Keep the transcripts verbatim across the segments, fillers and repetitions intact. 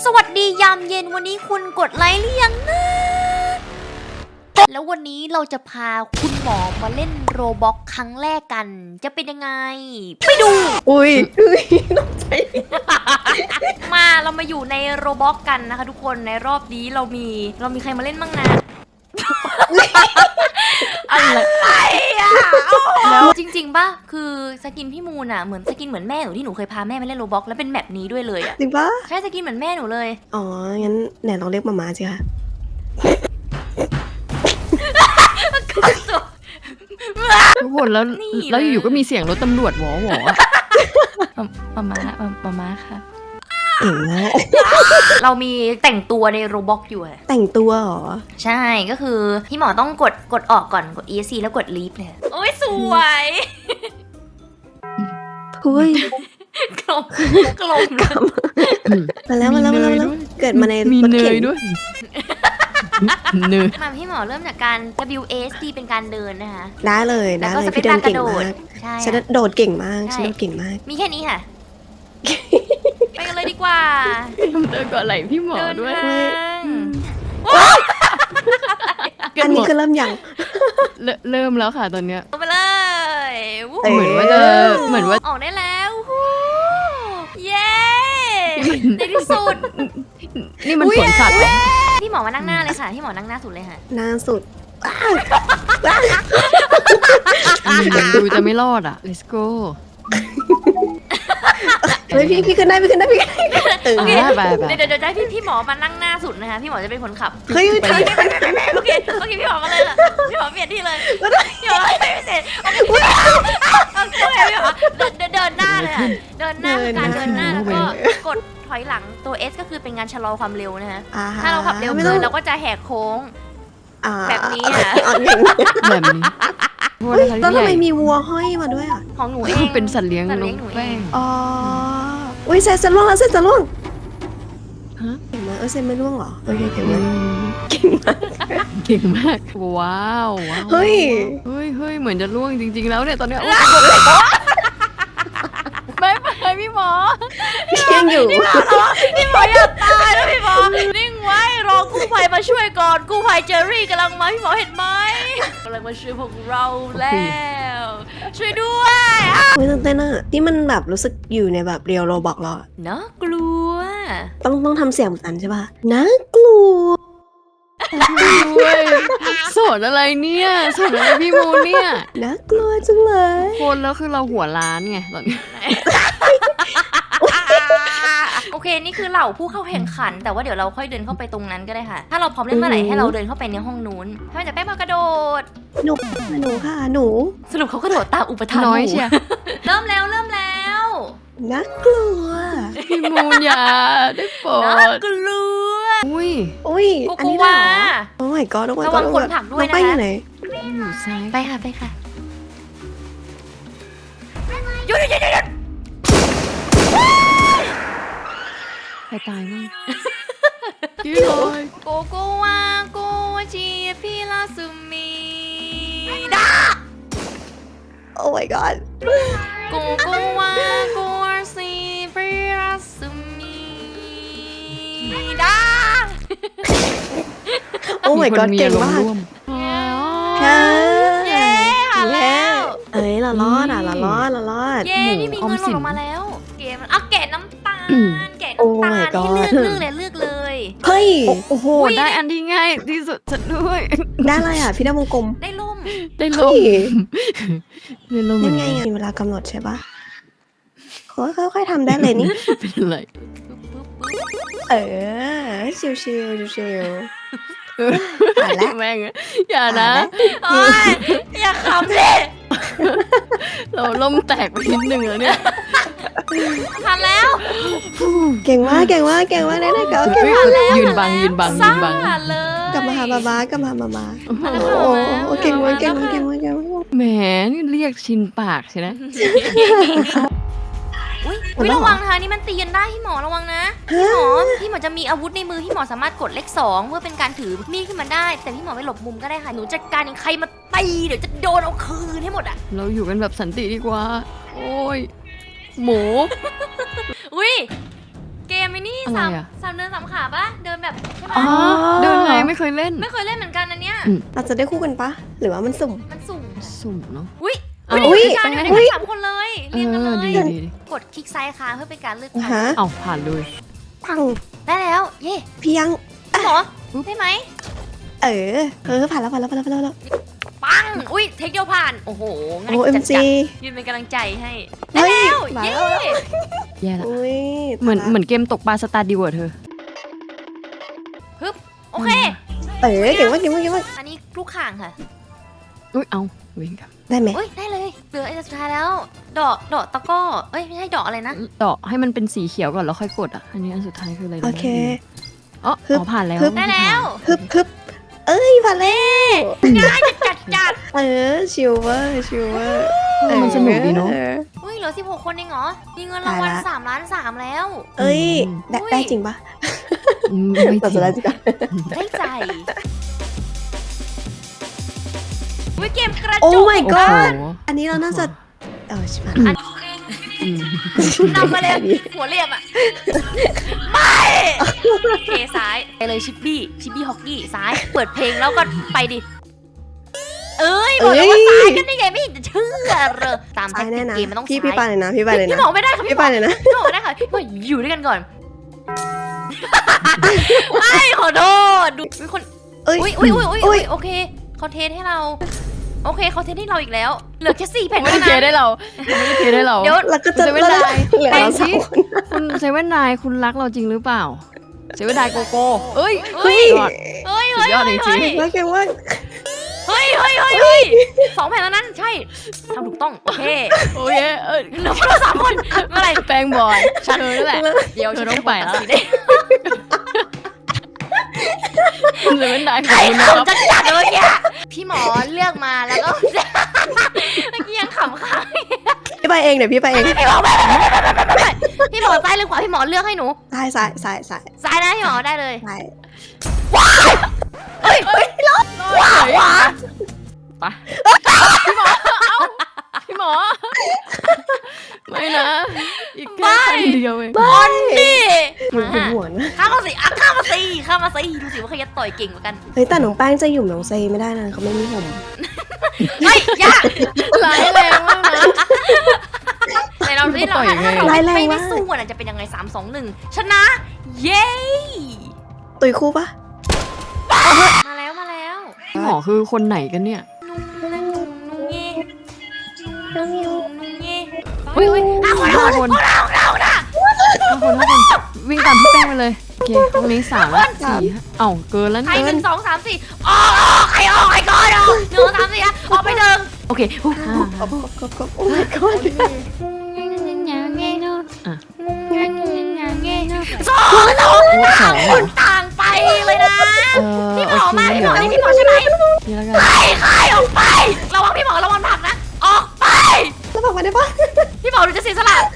สวัสดียามเย็นวันนี้คุณกดไลค์หรือยังนะแล้ววันนี้เราจะพาคุณหมอมาเล่นโรบ็อกครั้งแรกกันจะเป็นยังไงไปดูอุ้ยอุ้ยตกใจมาเรามาอยู่ในโรบ็อกกันนะคะทุกคนในรอบนี้เรามีเรามีใครมาเล่นบ้างนะอะไรอ่ะแล้วจริงๆป่ะคือสกินพี่มูนอ่ะเหมือนสกินเหมือนแม่หนูที่หนูเคยพาแม่มาเล่นโรบ็อกแล้วเป็นแมปนี้ด้วยเลยอ่ะจริงปะใช่สกินเหมือนแม่หนูเลยอ๋องั้นไหนลองเรียกมาม่าสิคะทุกคนแล้วแล้วอยู่ๆก็มีเสียงรถตำรวจหวอหวอมามามามาค่ะเก่งมากเรามีแต่งตัวในโรบ็อกอยู่อะแต่งตัวเหรอใช่ก็คือพี่หมอต้องกดกดออกก่อนกด อี เอส ซี แล้วกด leave เลยโอ้ยสวยคุยกลมกลมมาแล้วมาแล้วมาแล้วเกิดมาในมีเนยด้วยเนยมาพี่หมอเริ่มจากการ ดับเบิลยู เอส ดี เป็นการเดินนะคะได้เลยได้เลยพี่เดินเก่งมากฉันโดดเก่งมากฉันโดดเก่งมากมีแค่นี้ค่ะไปกันเลยดีกว่าเดินก่อนไหลพี่หมอด้วยอันนี้คือเริ่มยังเริ่มแล้วค่ะตอนเนี้ยไปเลยเหมือนว่าจะเหมือนว่าออกได้แล้วเย้ในที่สุดนี่มันสวนสัตว์พี่หมอมานั่งหน้าเลยค่ะพี่หมอนั่งหน้าสุดเลยค่ะหน้าสุดดูจะไม่รอดอ่ะ let's go เฮ้ยพี่พี่ขึ้นได้พี่ขึ้นได้พี่ตื่นไปไปเดี๋ยวเดี๋ยวได้พี่พี่หมอมานั่งหน้าสุดนะคะพี่หมอจะเป็นคนขับเฮ้ยโอเคโอเคโอเคพี่หมอมาเลยล่ะพี่หมอเปลี่ยนที่เลยพี่หมอไม่เสร็จโอเคพี่หมอเดินเดินหน้าเลยค่ะเดินหน้าการเดินหน้าแล้วก็กดถอยหลังตัว S ก็คือเป็นการชะลอความเร็วนะคะถ้าเราขับเร็วเกินเราก็จะแหกโค้งแบบนี้อ่ะแบบนี้แล้วทำไมมีวัวห้อยมาด้วยอ่ะของหนูเองเป็นสัตว์เลี้ยงหนูเองอ๋ออุ้ยเซนจะล่วงแล้วเซนจะล่วงฮะเก่งมากเออเซนไม่ล่วงเหรอโอเคเก่งมากเก่งมากเก่งมากว้าวเฮ้ยเฮ้ยเฮ้ยเหมือนจะล่วงจริงๆแล้วเนี่ยตอนเนี้ยไม่ไปพี่หมอยังอยู่พี่หมออย่าตายแล้วพี่หมอนิ่งไว้รอกู้ภัยมาช่วยก่อนกู้ภัยเจอรี่กำลังมาพี่หมอเห็นไหมกำลังมาช่วยพวกเราแล้วช่วยด้วยไม่ตื่นเต้นอ่ะที่มันแบบรู้สึกอยู่ในแบบเรียวโรบอกเราน่ากลัวต้องต้องทำเสียงเหมือนกันใช่ป่ะน่ากลัวด้วยสอนอะไรเนี่ยสอนอะไรพี่มูเนี่ยน่ากลัวจังเลยคนแล้วคือเราหัวล้านไงตอนนี้โอเคนี่คือเหล่าผู้เข้าแข่งขันแต่ว่าเดี๋ยวเราค่อยเดินเข้าไปตรงนั้นก็ได้ค่ะถ้าเราพร้อมเล่นเมื่อไหร่ให้เราเดินเข้าไปในห้องนู้นให้มันจะแป้งมากระโดดหนูหนูค่ะหนูสรุปเขากระโดดตามอุปทานน้อยเชียเริ่มแล้วเริ่มแล้วน่ากลัวพี่มูนอย่าได้โปรดน่ากลัวอุ้ยอุ้ยอันนี้เหรอโอ้ my god ระวังคนผลักด้วยนะไปอยู่ไหนอยู่ซ้ายไปค่ะไปค่ะหยุดหยุดหยุดหยุดใครตายมั้งพี่ลอยโกโกวาโกวาชีพี่ลาซูมิดา Oh my god โกโกวาโกวาชีพี่ลาซูมิดา Oh my god เก่งมากค่ะเย้แล้วเอ้ยเรารอดอ่ะเรารอดเรารอดเย้นี่มีเงินหล่นออกมาแล้วเกมเอาแกะน้ำตาลแกะน้ำตาลที่เลือกเลือกเลยเลือกเลยเฮ้ยโอ้โหได้อันที่ง่ายที่สุดฉันด้วยได้อะไรอ่ะพี่ได้วงกลมได้ล่มได้ล่มได้ล่มยังไงอ่ะมีเวลากำหนดใช่ปะค่อยๆทำได้เลยนี่เป็นอะไรเออชิวๆชิวๆอ่านแล้วแม่งอย่านะอย่าขำสิเราล่มแตกไปนิดนึงแล้วเนี่ยทันแล้วเก่งมากเก่งมากเก่งมากได้ได้ก็เก่งมากยืนบังยืนบังยืนบังกลับมาหาบาบากลับมาบาบาโอ้เก่งมากเก่งมากเก่งมากเก่งมากแหมนี่เรียกชินปากใช่ไหมอุ้ยระวังนะคะนี่มันตีกันได้พี่หมอระวังนะพี่หมอพี่หมอจะมีอาวุธในมือพี่หมอสามารถกดเลขสองเพื่อเป็นการถือมีดขึ้นมาได้แต่พี่หมอไปหลบมุมก็ได้ค่ะหนูจัดการอย่างใครมาตีเดี๋ยวจะโดนเอาคืนให้หมดอ่ะเราอยู่กันแบบสันติดีกว่าโอ้ยหมูอุ้ยเกมมไอ้นี่อะไรสามอะสามเดินสามขาปะเดินแบบใช่ไหมอ๋อเดินไงไม่เคยเล่นไม่เคยเล่นเหมือนกันอันเนี้ยเราจะได้คู่กันปะหรือว่ามันสุ่มมันสุ่มสุ่มเนาะอุ้ยเอาอุ้ยอุ๊ยการอยู่ในอุ๊กันยสามคนเลยเอเรียงกันเลอย ดีดีดีกดคลิกซ้ายค้างเพื่อเป็นการเลือกอ่ะทางฮะเอ้าผ่านเลยปังได้แล้ว เย่เพียงพี่หมอได้ไหมเออเออผ่านแล้วผ่านแล้วผ่านแล้วผ่านแล้วปังอุ้ยเทคเดียวผ่านโอ้โหง่ายโอ้เอ็มจัดซีๆยืนเป็นกำลังใจให้ได้เฮ้ยแล้วมาเย่แล้วแย่ละอุ้ยเหมือนเหมือนเกมตกปลาสตาร์ดิวอะเธอฮึบโอเคเออเก่งมากเก่งมากเก่งมากอันนี้ลูกข่างค่ะอุ้ยเอาเว้งครับได้ไหมอุ้ยได้เลยเหลือไอ้สุดท้ายแล้ว ดอกดอกตะกร้อเอ้ยไม่ใช่ดอกอะไรนะเดาะให้มันเป็นสีเขียวก่อนแล้วค่อยกดอ่ะอันนี้อันสุดท้ายคืออะไรนะโอเคอ๋อฮึบอ๋อผ่านแล้วฮึบได้แล้วฮึบฮึบเอ้ยผ่านแล้วง่ายจัดจัดเออชิวเวอร์ชิวเวอร์เออมันสนุกดีเนาะอออุ้ยเหลือสิบหกคนเองเหรอมีเงินรางวัลตายละสามล้านสามแล้วเอ้ยได้อุ้ยได้จริงปะอืมไม่เราจริจะงได้จริงปะได้ใจอุ้ยเกมกระโอ้จุก my โอ้ god โหอันนี้เราน่าจะเออชิบหายอืมนำมาเลยหัวเรียบอ่ะไม่เคซ้ายไปเลยชิปบี้ชิปบี้ฮอกกี้ซ้ายเปิดเพลงแล้วก็ไปดิเอ้ยบอกแล้วว่าซ้ายกันได้ไงไม่เห็นจะเชื่อเลยตามแท็ซ้าก ยติแน่กนะเกมมันต้องพี่ซ้ายพี่ไปเลยนะพี่ไปเลยพี่นะหมอไม่ได้ค่ะพี่พี่หไปมอเลยนะพี่หมอไม่ได้ค่ะพี่หมออยู่ด้วยกันก่อนไม่ขอโทษดูมีคนเอ้ยอุ้ยอุ้ยอุ้ยอุ้ยอุ้ยโอเคเขาเทสให้เราโอเคเขาเทสให้เราอีกแล้วเหลือแค่สี่แผ่นไม่เท่าได้เทนั้นได้เราไม่ได้เทได้เราเดี๋ยวแล้วก็จะเซเว่นไดน์เหลือแปลเรางสสิองคนคุณเซเว่นนายคุณรักเราจริงหรือเปล่าเซเว่นนายโกโก้เอ้ยเฮ้ยยอดเฮ้ยสุดยอดจริงๆแล้วแกว่าเฮ้ยเฮ้ยเฮ้ยเฮ้ยสองแผ่นแล้วนั้นใช่ทำถูกต้องโอเคโอเคเออเหลือพวกเราสามคนเมื่อไหร่แปลงบอยเธอนั่นแหละเดี๋ยวเธฉัอน ต้องจะไปไปแล้แล้ว วเซเว่นนายขอบไอ้คุณนะครับขำจัดจัดเลยเนี่ยพี่หมอเลือกมาแล้วก็เมื่อกี้ยังขำค้างพี่ไปเองเดี๋ยวพี่ไปเองพี่หมอพี่หมอซ้ายหรือขวาพี่หมอเลือกให้หนูซ้ายซ้ายซ้ายซ้ายซ้ายนะพี่หมอได้เลยซ้ายเฮ้ยเฮ้ยว้าวว้าไปพี่หมอเอ้าพี่หมอไม่นะ อีกแค่คันเดียวเองบอลนี่หัวหัวหัวนะข้ามมาสิอ่ะข้ามมาสิข้ามมาสิดูสิว่าใครจะต่อยเก่งกว่ากันเฮ้ยแต่น้องแป้งจะหยุ่มน้องเซไม่ได้นะเขาไม่มีผมเฮ้ยยากร้ายแรงมากนะในเราที่เราต่อยยังไงถ้าเราร้ายแรงไม่ไม่มากสู้อ่ะจะเป็นยังไงสามสองหนึ่งชนะ เย้ตุยคู่ปะมาแล้วมาแล้วพี่หมอคือคนไหนกันเนี่ยนุ่งนุ่งนุ่งเย่นุ่งนุ่งนุ่งเย่เฮ้ยเฮ้ยห้าคนห้าคนเราเรานะห้าคนห้าคนวิ่งตามพี่แป้งไปเลยโอเคห้องนี้สามละสี่ห้าเอ้าเกินแล้วใครเนี่ยหนึ่งสองสามสี่ออกออกใครออกใครก่อนออกหนึ่งสองสามสี่อ่ะออกไปหนึ่งโอเคอ่ากบกบกบโอ้ my god อ่ะสองสองโอ้สองเหรอต่างไปเลยนะเออพี่หมโออเคมาพี่หเดี๋มยวอนี่พี่หมอใช่ไหมนี่แล้วกันใครใครออกไป ระวังพี่หมอระวังผลักนะ ออกไปแล้วบอกมาได้ปะพี่หมอดูจะเสียสละ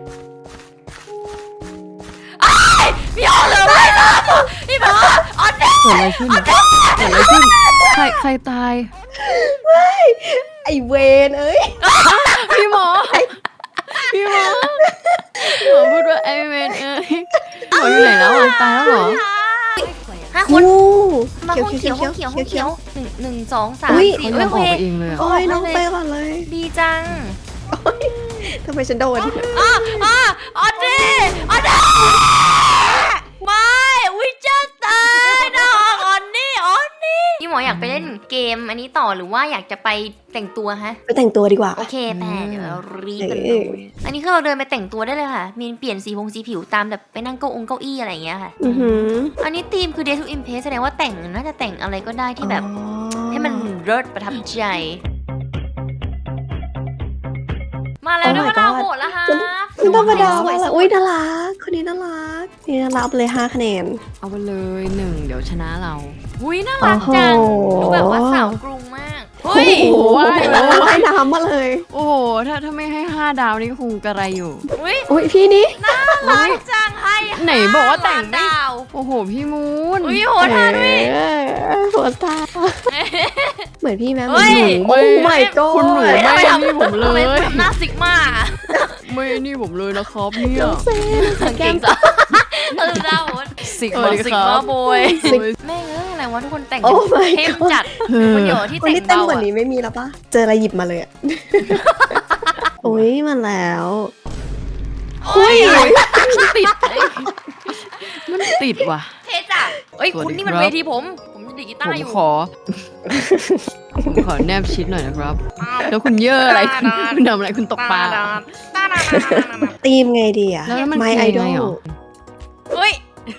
ไอ้ยพี่หมอเลยไม่รอดพี่หมอออนเดเกิดอะไรขึ้นเกิดอะไรขึ้นใครใครตายไอเวนเอ้ยพี่หมอพี่หมอพี่หมอพูดว่าไอเวนเอ้ยหมออยู่ไหนแล้วอ่ะตายแล้วเหรอห้าคโอ้นเขีมายวห้องเขีเขียยว วเขีห้ยอวงเขีเขียยว วเขีห้ยอวงเขียวหนึ่งหนึ่งสองสามอุ๊ยสี่เขาเอ้ยยอมโออเคอกไปเองเลยอะโอ้ยน้องไปก่อนเลยดีจังทำไมฉันโดนอ่ะอ่ะออนดีออนดีไม่วิจะตายนะออนนี่ออนนี่พี่หมออยากไปเล่นเกมอันนี้ต่อหรือว่าอยากจะไปแต่งตัวฮะไปแต่งตัวดีกว่าโอเคแต่เดี๋ยวเรารีบกันเลยอันนี้คือเราเดินไปแต่งตัวได้เลยค่ะ มีเปลี่ยนสีพงสีผิวตามแบบไปนั่งเก้าองเก้าอี้อะไรอย่างเงี้ยค่ะอือหืออันนี้ธีมคือ Day to Impress แสดงว่าแต่งน่าจะแต่งอะไรก็ได้ที่แบบอ๋อให้มันเลิศประทับใจ มาแล้วด้วยมะนาวโหดแล้วค่ะมันธรรมดาสวมายกๆเลยอุ้ยน่ารักคนนี้น่ารักนี่น่ารักเลยห้าคะแนนเอาไปเลยหนึ่งเดี๋ยวชนะเราอุ้ยน่ารักจังโอ้โหดูแบบว่าสาวกรุงมากโอ้เฮ้ยโหว่ายน้ำมาเลยโอ้โหถ้าถ้าไม่ให้ห้าดาวนี่ก็คงกระไรอยู่อุ้ยอุ้ยพี่นี่น่ารักจังให้ไหนบอกว่าแต่งไม่ดาวโอ้โหพี่มูนอุ้ยโหดท่าด้วยเออหัวตาเหมือนพี่แม่เหมืเฮ้อนยหนูโอ้ my god คุณหนูไม่นี่ผมเลทำไมยทำหน้าซิกมาไม่นี่ผมเลยนะครับเนี่ยน้องเซนสังเกตจ้ะเออดาวสิกสวัมาสดีสิกครับมาโบยสิกแม่งเอ้ยอะไรวะทุกคนแต่งโอ้ my เข้ม god จัดเออคนเดียวที่วันแต่งนี้เต้นเบากว่าอะนี้ไม่มีแล้วปะเจออะไรหยิบมาเลยอ่ะ โอ้ยมาแล้วเฮ้ยมันติดเอ้ยมันติดว่ะเท่จัดเอ้ยสวัสดีคุณนี่มันครับเวทีผม ผมจะดีดกีผตาร์มอยู่ขอ ผมขอแนบชิดหน่อยนะครับ แล้วคุณเย่ออะไรคุณคุณทำอะไรคุณตกปลาเหรอตีมไงดีอ่ะแล้วมัน My คือยังไง Idol หรอเฮ้ย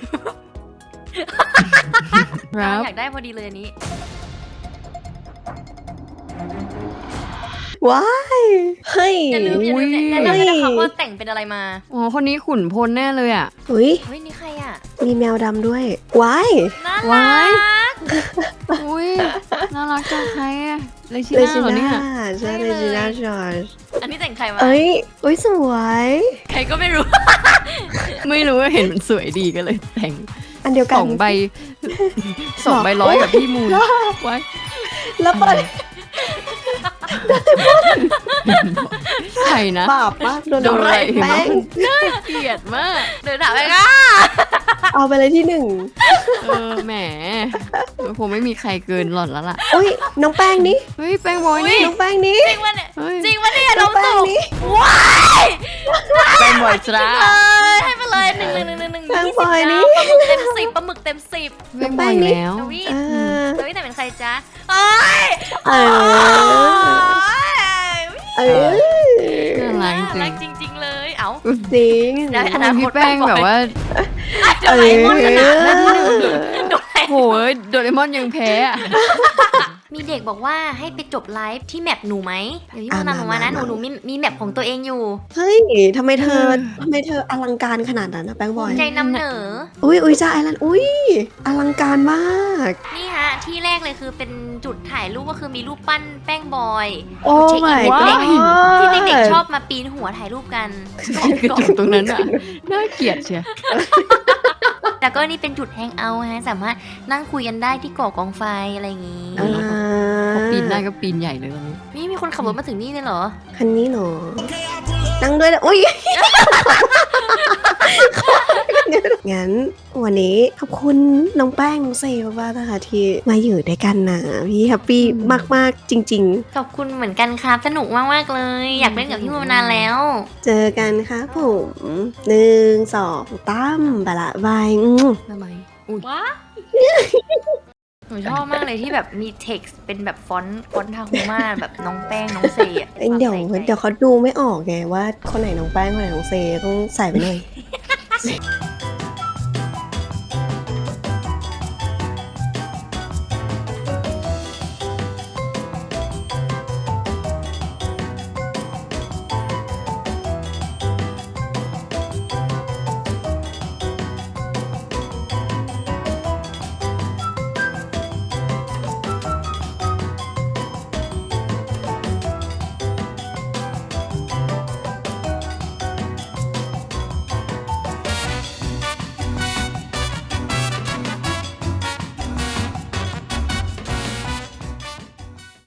ครับอยากได้พอดีเลยอันนี้ว้ายเฮ้ยอย่าลืมอย่าลืมแนะนำด้วยนะคะว่าแต่งเป็นอะไรมาอ๋อคนนี้ขุนพลแน่เลยอ่ะอุ้ยเฮ้ย นี่ใครอ่ะมีแมวดำด้วย ว้ายน่าว้ารัยกอุ้ยน่ารักจังใครอะเลชิเลน่าจิเหรอเนี่ยน่าใช่เลจิน่าจอร์จอันนี้แต่งใครมาเอ้ยอุ้ยสวยใครก็ไม่รู้ไม่รู้ว่าเห็นมันสวยดีก็เลยแต่งอันเดียวสกันองใบสองใบร้อยกับพี่มูลไว้แล้วเปิดใครนะบาปปะโดนโดนอะไรแป้งน่าเกลียดมากเดินถามไปค่ะเอาไปเลยที่หนึ่งเออแหมคงไม่มีใครเกินหล่อนแล้วล่ะอุ้ยน้องแป้งนี่เฮ้ยแป้งบอยนี่น้องแป้งนี่จริงวะเนี่ยเฮ้ยจริงวะเนี่ยน้น้ออง งแป้งสุกนี่ว้ายแป้งบอยจ้าเลยให้ไปเลยหนึ่งหนึ่งหนึ่งหนึ่งหนึ่งแป้งยี่บสิบอยนี่ดาวปลาหมึกเต็มสิบปลาหมึกเต็มสิบแป้งบอยแล้วดาวิเออดาวิแต่เป็นใครจ๊ะเอ้ยเออ เออน่ารักน่าจริรังกจริง ๆ เลย เอ้าจริงได้ทำไมพี่แป้งแบบว่าโดราเอมอนขนาดนั้นโดราเอมอนโหยโดเรมอนยังแพ้อะมีเด็กบอกว่าให้ไปจบไลฟ์ที่แมปหนูไหมเดี๋ยวพี่อ่ะโมนำออกมานะ หมานูมาหนูมีมีแมปของตัวเองอยู่เฮ้ยทำไมเธอทำไมเธออลังการขนาดนั้นนะแป้งบอยใจนำเหนออุ้ยอุ้ยจ้าไอรันอุ้ยอลังการมากนี่ฮะ ที่แรกเลยคือเป็นจุดถ่ายรูปก็คือมีรูปปั้นแป้งบอยโอ้เช็คอิน my เด็ก god ที่เด็กๆชอบมาปีนหัวถ่ายรูปกันกระจกตรงนั้นอ่ะน่าเกลียดเชียวแล้วก็นี่เป็นจุดแฮงเอาท์ฮะ สามารถนั่งคุยกันได้ที่ก่อกองไฟอะไรอย่างงี้อ่าพอปีนได้ก็ปีนใหญ่เลยตอนนี้นี่มีคนขับรถมาถึงนี่เลยเหรอคันนี้เหรอนั่งด้วยนะอุ้ย งั้นวันนี้ขอบคุณน้องแป้งน้องเซลมากนะคะที่มาอยู่ด้วยกันนะพี่แฮปปี้มากๆจริงขอบคุณเหมือนกันครับ สนุกมากๆเลย อยากเล่นกับพี่โมมานานแล้วๆ เจอกันค่ะผมหนึ่งสองตั้มบาละบายอืมทำไมอุ้ยว้าหนูชอบมากเลยที่แบบมี text เป็นแบบฟอนต์ฟอนต์ทาฮูมาแบบน้องแป้งน้องเซอะเอ้ยเดี๋ยวเดี๋ยวเขาดูไม่ออกไงว่าคนไหนน้องแป้งคนไหนน้องเซต้องใส่ไปหน่อย